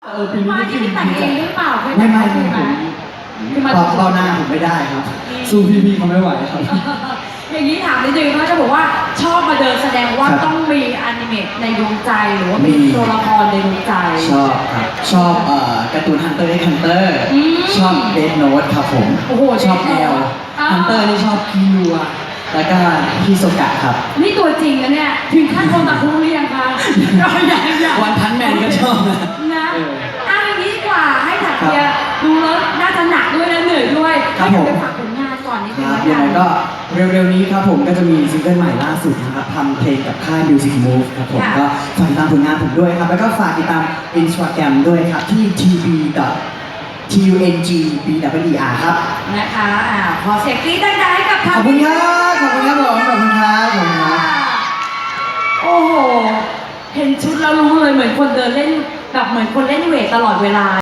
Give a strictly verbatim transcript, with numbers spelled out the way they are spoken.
เออปีนี้มาได้ที่ขึ้นแต่งเองหรือเปล่าเคยไม่แต่งไม่เองไม่ไหมผมตอบเบ้าหน้าผมไม่ได้ครับ สู้พี่ๆเขาไม่ไหวครับอย่างนี้ถามนิดนึงเขาจะบอกว่าชอบมาเดินแสดงว่าครับต้องมีอนิเมะในดวงใจหรือว่ามีมีตัวละครในดวงใจชอบครับ ชอบเอ่อการ์ตูนฮันเตอร์ฮันเตอร์อืมชอบเดนโน e ครับผมโอ้โหชอบ Death แอล Note อ่าฮันเตอร์นี่ชอบคิวอะแล้วก็พี่โซกะครับนี่ตัวจริงนะเนี่ยถึงขั้นโคนตะคุหรือยังคะยังยังยังวันพันแมนก็ชอบนะนะเออเอาอย่างนี้ดีกว่าให้ถักเบียร์ดูแล้วน่าจะหนักด้วยนะเหนื่อยด้วยครับให้ผมไปฝากผลงานก่อนนิดคนึงรับแล้วยังกัไงนก็เร็วๆนี้ครับผมก็จะมีซิงเกิลใหม่ล่าสุดนะครับทำเพลงกับค่าย Music Move ครับผมค่ะก็ฝากติดตามผลงานผมด้วยครับ แล้วก็ฝากติดตาม Instagram ด้วยครับที่ ที บี ที ยู เอ็น จี บี ดับเบิล อี อาร์ ครับนะคะอ่าขอเสียงกรี๊ดดังๆให้กับขอบคุณครับ ขอบคุณครับผม ขอบคุณครับ ขอบคุณครับโอ้โห เห็นชุดแล้วรู้เลยเหมือนคนเดินเล่นแบบเหมือนคนเล่นเวทตลอดเวลา